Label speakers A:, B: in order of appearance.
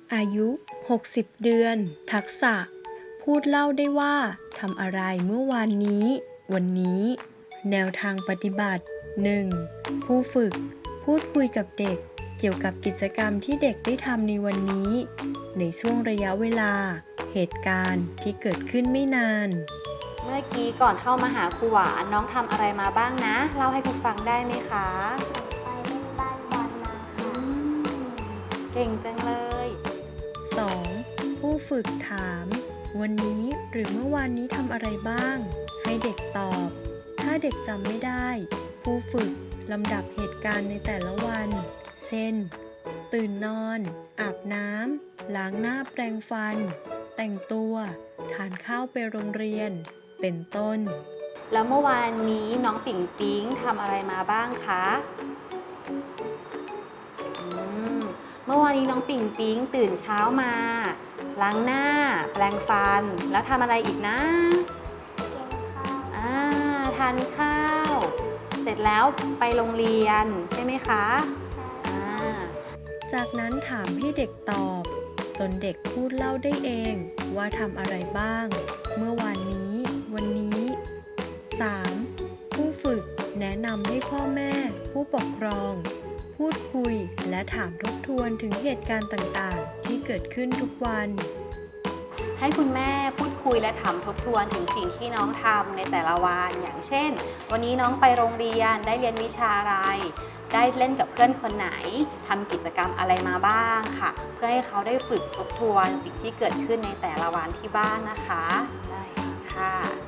A: อายุ 60 เดือน ทักษะ พูดเล่าได้ว่าทำอะไรเมื่อวานนี้ วันนี้ แนวทางปฏิบัติ 1. ผู้ฝึก พูดคุยกับเด็กเกี่ยวกับกิจกรรมที่เด็กได้ทำในวันนี้ ในช่วงระยะเวลา เหตุการณ์ที่เกิดขึ้นไม่นาน
B: เมื่อกี้ก่อนเข้ามาหาครูหวานน้องทำอะไรมาบ้างนะเล่าให้ครูฟังได้ไหมคะ
C: ไปเล่นบ้านบอลมาค่ะ
B: เก่งจังเลย
A: 2. ผู้ฝึกถาม วันนี้หรือเมื่อวานนี้ทำอะไรบ้าง ให้เด็กตอบ ถ้าเด็กจำไม่ได้ ผู้ฝึกลำดับเหตุการณ์ในแต่ละวัน เช่น ตื่นนอน อาบน้ำ ล้างหน้าแปรงฟัน แต่งตัว ทานข้าวไปโรงเรียน เป็นต้น
B: แล้วเมื่อวานนี้น้องปิ่งปิ๊งทำอะไรมาบ้างคะเมื่อวานนี้น้องปิ่งปิ๊งตื่นเช้ามาล้างหน้าแปรงฟันแล้วทำอะไรอีกนะ
C: กินข้าว
B: ทานข้าว เสร็จแล้วไปโรงเรียนใช่ไหมคะอ่า
A: จากนั้นถามให้เด็กตอบ จนเด็กพูดเล่าได้เองว่าทำอะไรบ้าง เมื่อวานนี้ วันนี้ 3. ผู้ฝึกแนะนำให้พ่อแม่ ผู้ปกครอง พูดคุยและถามทบทวนถึงเหตุการณ์ต่างๆ ที่เกิดขึ้นทุกวัน
B: ให้คุณแม่พูดคุยและถามทบทวนถึงสิ่งที่น้องทำในแต่ละวันอย่างเช่น วันนี้น้องไปโรงเรียนได้เรียนวิชาอะไร ได้เล่นกับเพื่อนคนไหนทำกิจกรรมอะไรมาบ้างค่ะ เพื่อให้เขาได้ฝึกทบทวนสิ่งที่เกิดขึ้นในแต่ละวันที่บ้านนะคะได้ค่ะ